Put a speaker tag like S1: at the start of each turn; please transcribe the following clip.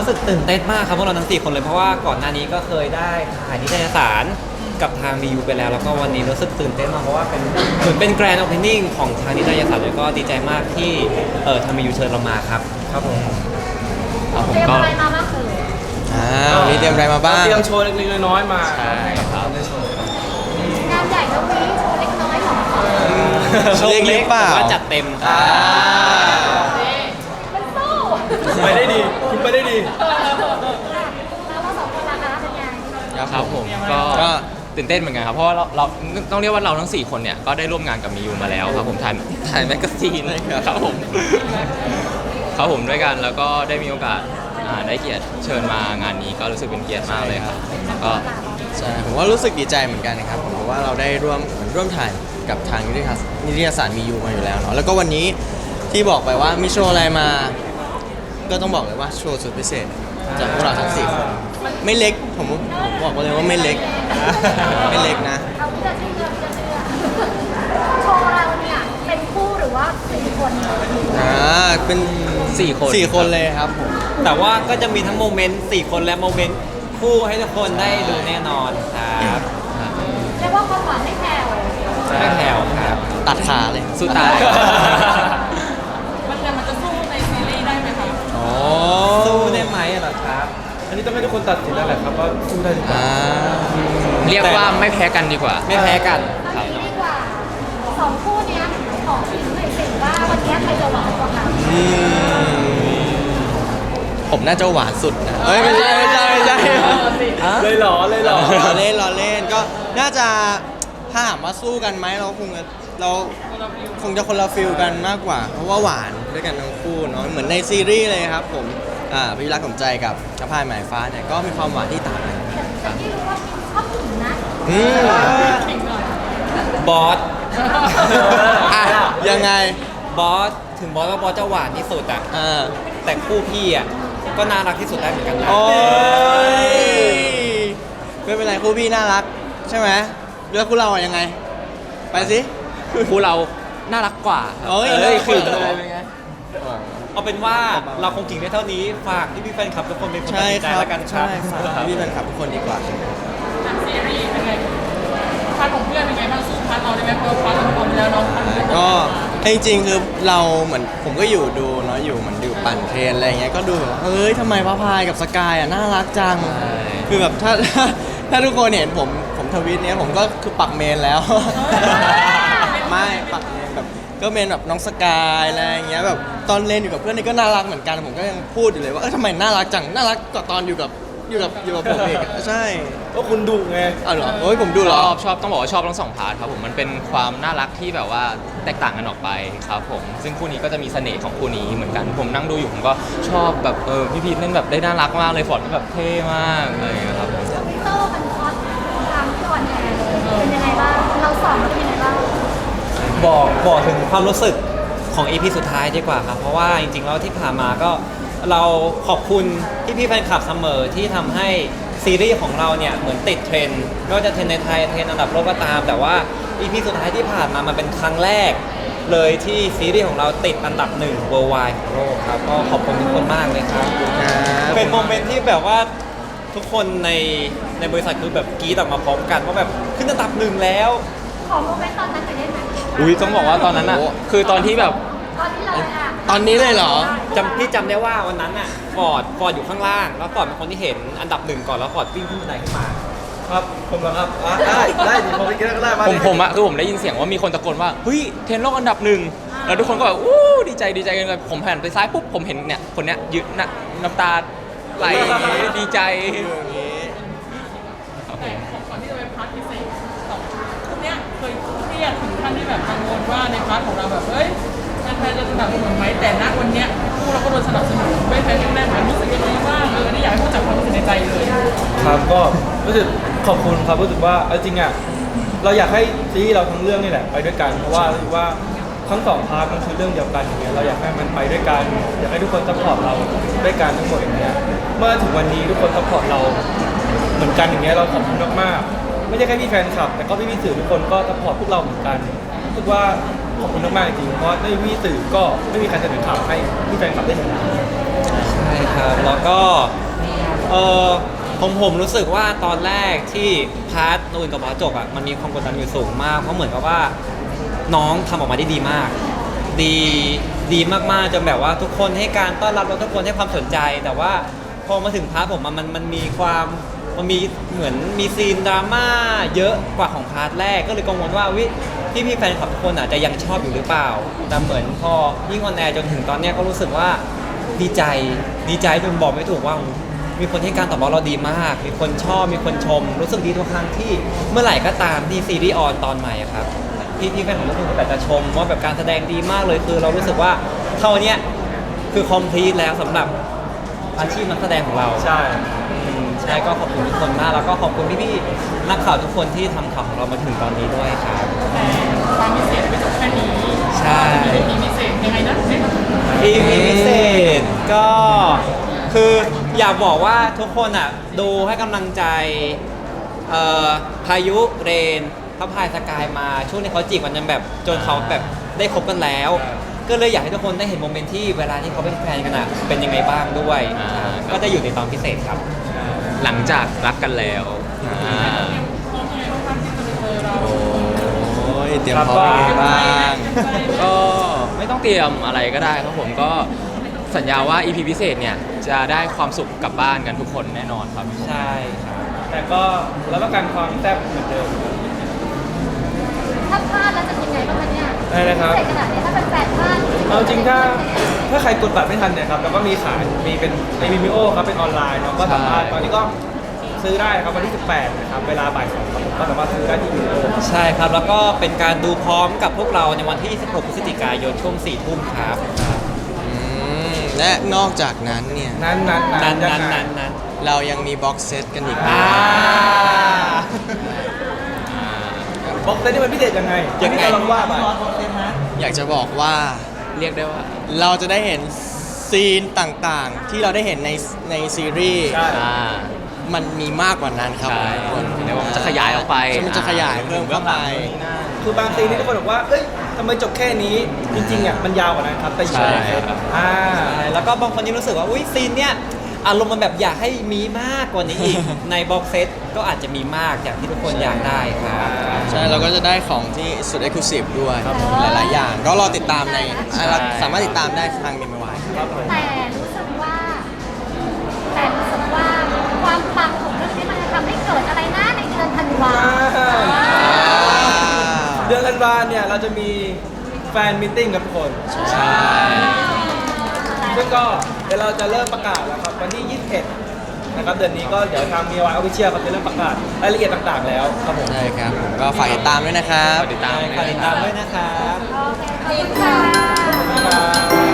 S1: รู้สึกตื่นเต้นมากครับพวกเราทั้ง4คนเลยเพราะว่าก่อนหน้านี้ก็เคยได้ถ่ายนิตยสารกับทาง BU ไปแล้วก็วันนี้รู้สึกตื่นเต้นมากเพราะว่าเป็นเหมือนเป็นแกรนด์โอเพนนิ่งของทางนิตยสารแล้วก็ดีใจมากที่ทาง BU เชิญเรามาครับครับผม
S2: ครับผม
S3: เตรียม
S2: ก็
S3: อะไรมาบ้างเอ่ย
S4: วันนี้เตรียมอะไรมาบ้าง
S5: เตรียมโชว์เล็กๆน้อยๆมา
S2: ใช่ครับ
S3: งานใหญ่แล้ววีโชว์เล็กน้อยของ
S1: โชว์เล็ก
S4: เปล่า
S1: แต่ว่าจัดเต็ม
S3: มันสู้
S5: ไปได้ดีคุณไปได้ดี
S3: แล้วเราสองคนล่ะคะเป็นไง
S2: ครับผมก็ตื่นเต้นเหมือนกันครับเพราะว่าเราต้องเรียกว่าเราทั้ง4คนเนี่ยก็ได้ร่วมงานกับมิยูมาแล้วครับผมถ่ายแมกกาซีนครับผมครับผมด้วยกันแล้วก็ได้มีโอกาสได้เกียรติเชิญมางานนี้ก็รู้สึกเป็นเกียรติมากเลยครับแล้วก็
S4: ใช่ผมว่ารู้สึกดีใจเหมือนกันนะครับผมเพราะว่าเราได้ร่วมถ่ายกับทางนิตยสารมียูมาอยู่แล้วเนาะแล้วก็วันนี้ที่บอกไปว่ามีโชว์อะไรมา ก็ต้องบอกเลยว่าโชว์สุดพิเศษจากพวกเราทั้ง4คนไม่เล็กผมบอกเลยว่าไม่เล็กไม่เล็กนะ
S3: เอาที่จะเชื่อที่จะเชื่อโชว์เราเนี่ยเป็นคู่หรือว่าสี่คน
S4: เป็น
S2: 4 คน
S4: 4 คนเลยครับผม
S1: แต่ว่าก็จะมีทั้งโมเมนต์4คนและโมเมนต์คู่ให้ทุกคนได้ดูแน่นอนครับ
S3: เรียกว่าความหวานไม่แผ่ว
S1: ไม่แผ่วครับ
S4: ตัดขาเลย
S2: สู้ตาย
S6: มันจะสู้ในซีรีส์ได้ไหมคะ
S4: อ๋อ
S1: สู้ได้ไหมเหรอครับ
S5: อันนี้ต้องให้ทุกคนตัดสินแล้วแหละครับว่าสู้ได้หรือเปล่า
S2: เรียกว่าไม่แพ้กันดีกว่า
S1: ไม่แพ้กัน
S3: เอาอย่างนี้ดีกว่าสองคู่เนี้ยขอพิมพ์หน่อยสิว่าวันเนี้ยใครจะหวานกว่ากัน
S4: ผมน่าจะหวานสุดนะเฮ้ยไม่ใช่
S5: เลยเหรอเลยเหรอ
S4: ล้อเล่นก็น่าจะถ้าถามว่าสู้กันไหมเราคงจะคนละฟิลกันมากกว่า เพราะว่าหวานด้วยกันทั้งคู่เนาะเหมือนในซีรีส์เลยครับผมพี่รักสมใจกับกระพายหมายฟ้าเนี่ยก็มีความหวานที่ต่างกัน
S3: แต่ที่รู้ว่าชอบผู้หญิงนะ
S4: อืม
S1: บอส
S4: อ่ะยังไง
S1: บอสถึงบอสว่าบอสจะหวานที่สุดอะ
S4: อ่า
S1: แต่คู่พี่อะก็น่ารักที่สุดได้เหมือนกันนะ
S4: โอ้ยไม่เป็นไรคู่พี่น่ารักใช่ไหมแล้วคู่เราอะยังไง ไปสิ
S2: คู่เราน่ารักกว่า
S4: เอ้ย
S2: คือ
S1: เอาเป็นว่าเราคงกิ่งได้เท่านี้ฝากพี่แฟนคลับทุกคนเป็นคนตัด
S4: ใช่
S1: สินใจ
S4: ครับ
S1: แล้วกันครับ
S4: ใช่ฝากพี่แฟนคลับทุกคนดีกว่า
S6: ซีรีส์เป็นไงพาร์ทของเพื่อนเป็นไงบ้างสู้พาร์ทเราได้ไหมเพราะพาร์ทเราคนแล้วน้องพาร์ทเพื่อน
S4: ก็จริงๆคือเราเหมือนผมก็อยู่ดูเนาะอยู่เหมือนดูปั่นเทรนอะไรอย่างเงี้ยก็ดูแบบเฮ้ยทำไมพระพายกับสกายอ่ะน่ารักจังคือแบบถ้าทุกคนเห็นผมทวิตเนี้ยผมก็คือปักเมนแล้ว ไม่ปักเมนแบบก็เมนแบบน้องสกายอะไรอย่างเงี้ยแบบตอนเล่นอยู่กับเพื่อนนี่ก็น่ารักเหมือนกันผมก็ยังพูดอยู่เลยว่าทำไมน่ารักจังน่ารักกว่าตอนอยู่กับผมเองอะใช่
S5: ก็คุณดุไง
S4: อ้าวเหรอโอ้ยผมดูเหรอ
S2: ชอบต้องบอกว่าชอบทั้ง2 พาร์ทครับผมมันเป็นความน่ารักที่แบบว่าแตกต่างกันออกไปครับผมซึ่งคู่นี้ก็จะมีเสน่ห์ของคู่นี้เหมือนกันผมนั่งดูอยู่ผมก็ชอบแบบพี่พีทเล่นแบบได้น่ารักมากเลยฟอร์ดก็แบบเท่มากอะไรอย่างเงี้ยครับผม
S3: โต้มันคอสตามที่อ่อนแอเลยเป็นยังไงบ้างเราสอนเป็นยังไงบ้าง
S1: บอกถึงความรู้สึกของ EP สุดท้ายดีกว่าครับ เพราะว่าจริงๆแล้วที่ผ่านมาก็เราขอบคุณพี่ๆแฟนคลับเสมอที่ทำให้ซีรีส์ของเราเนี่ยเหมือนติดเทรนด์ไม่ว่าจะเทรนด์ในไทยเทรนด์อันดับโลกก็ตาม แต่ว่า EP สุดท้ายที่ผ่านมามันเป็นครั้งแรกเลยที่ซีรีส์ของเราติดอันดับ1 worldwide ของโลกครับก็ขอบคุณทุกคนมากเลยครับ เป็นโมเมนต์ที่แบบว่าทุกคนในบริษัทคือแบบกรี๊ดออกมาพร้อมกันว่าแบบขึ้นอันดับ1แล้ว
S3: ขอโมเมนต์ตอนนั้นหน่อยได้ไหม
S2: อุ้ยต้องบอกว่าตอนนั้นอ่ะคือตอนที่แบบ
S3: ตอนที่เราอะ
S4: ตอนนี้เลยเหรอ
S1: พี่จำได้ว่าวันนั้นน่ะฟอร์ดอยู่ข้างล่าง แล้วฟอร์ดเป็นคนที่เห็นอันดับ1ก่อนแล้วฟอร์ดวิ่งขึ้นบันไดขึ้นมา
S5: ครับผมเหรอครับได้ดิพอไปกินก็ได้มา
S2: ผมอะคือผมได้ยินเสียงว่ามีคนตะโกนว่าเฮ้ยเทรนด์โลกอันดับ1แล้วทุกคนก็แบบอู้ดีใจกันเลยผมหันไปซ้ายปุ๊บผมเห็นเนี่ยคนเนี้ยยืนน่ะน้ำตาไหลดีใจครับผม
S6: ก่อนที่จะไปพาร์ทพิเศษสองคู่เนี้ยเคยเครียดถึงขั้นที่แบบกังวลว่าในพาร์ทของเราแบบเฮ้ยแฟนๆจะสนับสนุนไหมแต่ณวันเนี้ยคู่เราก็โดนสนับสนุนไม่แพ้กันแน่นรู้สึกยังไงบ้างนี่อยากให้พูดจากความรู้สึกในใจเลย
S5: ครับก็รู้สึกขอบคุณครับรู้สึกว่าเอาจริงอ่ะเราอยากให้ซีรีส์เราทั้งเรื่องนี่แหละไปด้วยกันเพราะว่ารู้สึกว่าทั้ง2 พาร์ทมันคือเรื่องเดียวกันอย่างเงี้ยเราอยากให้มันไปด้วยกันอยากให้ทุกคนซัพพอร์ตเราด้วยกันทั้งหมดอย่างเงี้ยเมื่อถึงวันนี้ทุกคนซัพพอร์ตเราเหมือนกันอย่างเงี้ยเราขอบคุณมากๆไม่ใช่แค่พี่แฟนคลับแต่ก็พี่สื่อทุกคนก็ซัพพอร์ตพวกเราเหมือนกันรู้สึกว่าขอบคุณมากๆจริงเพราะไม่มีสื่อก็ไม่มีใครเสนอข่าวให้พี่แฟนคลับได้เห็น
S1: ใช่ครับแล้วก็เออผมรู้สึกว่าตอนแรกที่พาร์ทนูนกับบอสจบอ่ะมันมีความกดดันอยู่สูงมากเพราะเหมือนกับว่าน้องทำออกมาได้ดีมาก ดีมากๆจนแบบว่าทุกคนให้การต้อนรับแล้วทุกคนให้ความสนใจ แต่ว่าพอมาถึงพาร์ทผมมันมีความมันมีเหมือนมีซีนดราม่าเยอะกว่าของพาร์ทแรกก็เลยกังวลว่าพี่แฟนคลับทุกคนอาจจะยังชอบอยู่หรือเปล่าแต่เหมือนพอยิ่งออนแอร์จนถึงตอนเนี้ยก็รู้สึกว่าดีใจจนบอกไม่ถูกว่ามีคนให้การตอบรับเราดีมาก มีคนชอบมีคนชม รู้สึกดีทุกครั้งที่เมื่อไหร่ก็ตามที่ซีรีส์ออนตอนใหม่อะครับพี่แฟนของทุกคนแต่จะชมว่าแบบการแสดงดีมากเลยคือเรารู้สึกว่าเท่านี้คือคอมพลีทแล้วสำหรับอาชีพนักแสดงของเรา
S5: ใช่
S1: ใช่ก็ขอบคุณทุกคนมากแล้วก็ขอบคุณพี่ๆนักข่าวทุกคนที่ทำข่าวของเรามาถึงตอนนี้ด้วยครับ
S6: ความพิเศษไม่จบแค่นี้
S1: ใช่
S6: มีพิเศษยังไงนะ
S1: EP พิเศษก็คืออยากบอกว่าทุกคนอ่ะดูให้กำลังใจพายุเรนพระพายสกายมาช่วงที่เขาจีบกันจนแบบจนเขาแบบได้คบกันแล้ว ก็เลยอยากให้ทุกคนได้เห็นโมเมนต์ที่เวลาที่เขาเป็นแฟนกันอ่ะเป็นยังไงบ้างด้วย ก็จะอยู่ในตอนพิเศษครับ
S2: หลังจากรักกันแล้วอ่า
S6: พร้อมยังไงบ้างครับที่จะไปเจอเรา
S4: โอ้ยเตรียมพร้อมยังไงบ้าง
S2: ก็ไม่ต้องเตรียมอะไรก็ได้ครับผมก็สัญญาว่า EP พิเศษเนี่ยจะได้ความสุขกลับบ้านกันทุกคนแน่นอนครับ
S1: ใช่ครับ
S5: แต่ก็รับประกันความแซ่บเหมือนเดิม
S3: ถ้าพลาดแล้วจะยังไงบ้างคะเนี่ย
S5: ได้เลยครับ
S3: พิเศษขนาดนี้ถ้าเป็นแฟนพลาด
S5: เอาจริงถ้าใครกดบัตรไม่ทันเนี่ยครับแล้วก็มีขายมีเป็นในวิมิโอครับเป็นออนไลน์เนาะก็สามารถ
S2: ใช่
S5: ตอนนี้ก็ซื้อได้ครับวันที่ 18 นะครับเวลาบ่าย2ครับผมก็สามารถซื้อได้ที่วิมิโอ
S1: ใช่ครับแล้วก็เป็นการดูพร้อมกับพวกเราในวันที่ 26 พฤศจิกายนช่วง 4 ทุ่มครับ
S4: และนอกจากนั้นเนี่ย
S5: นั้น
S1: นั้น
S4: เรายังมีบ็อกเซตกันอีก
S1: อ่า
S5: บอกเลยนี่มันพิเศษยังไง
S1: ยังไง
S5: ที่เราลองว่าไป
S4: อยากจะบอกว่า
S2: เรียกได้ว่า
S4: เราจะได้เห็นซีนต่างๆ ที่เราได้เห็นในซีรีส์
S5: ใช่
S2: อ่า
S4: มันมีมากกว่านั้นครับ
S2: ใช่
S4: ทุกคน
S2: เดี๋ยวมันจะขยายออกไป
S4: มันจะขยายเพิ่มเข้าไป
S5: คือบางซีนนี่ทุกคนบอกว่าเอ้ยทำไมจบแค่นี้จริงๆอ่ะมันยาวกว่านั้นครับแต่อยู่
S2: ใช่
S5: ใน
S2: ครับ
S1: แล้วก็บางคนยังรู้สึกว่าอุ้ยซีนเนี้ยอารมณ์มันแบบอยากให้มีมากกว่านี้อีก ในบ็อกเซตก็อาจจะมีมากอย่างที่ทุกคนอยากได้ครับ
S4: ใช่เราก็จะได้ของที่สุดเอ็กซ์คลูซีฟด้วยหลายๆอย่าง ก็รอติดตามในเราสามารถติดตามได้ทางมีมวาย
S3: แต่รู้สึกว่าความปังของเรื่องนี้มันจะทำให้เกิดอะไรนะในเดือนธันวา
S5: เดือนธันวาเนี่ยเราจะมีแฟนมิทติ้งกับทุกคน
S2: ใช่
S5: ซึ่งก็เดี๋ยวเราจะเริ่มประกาศแล้วครับวันที่ 21 นะครับเดือนนี้ก็เดี๋ยวทางมีวายออฟฟิเชียลครับจะเริ่มประกาศรายละเอียดต่างๆแล้วครับผม
S4: ใช่ครับผมก็ฝากติดตามด้วยนะครับ
S2: ติดตาม
S1: ฝากติดตามด้วยนะครับ
S3: โอเคขอบคุณค่ะ
S5: บ๊ายบาย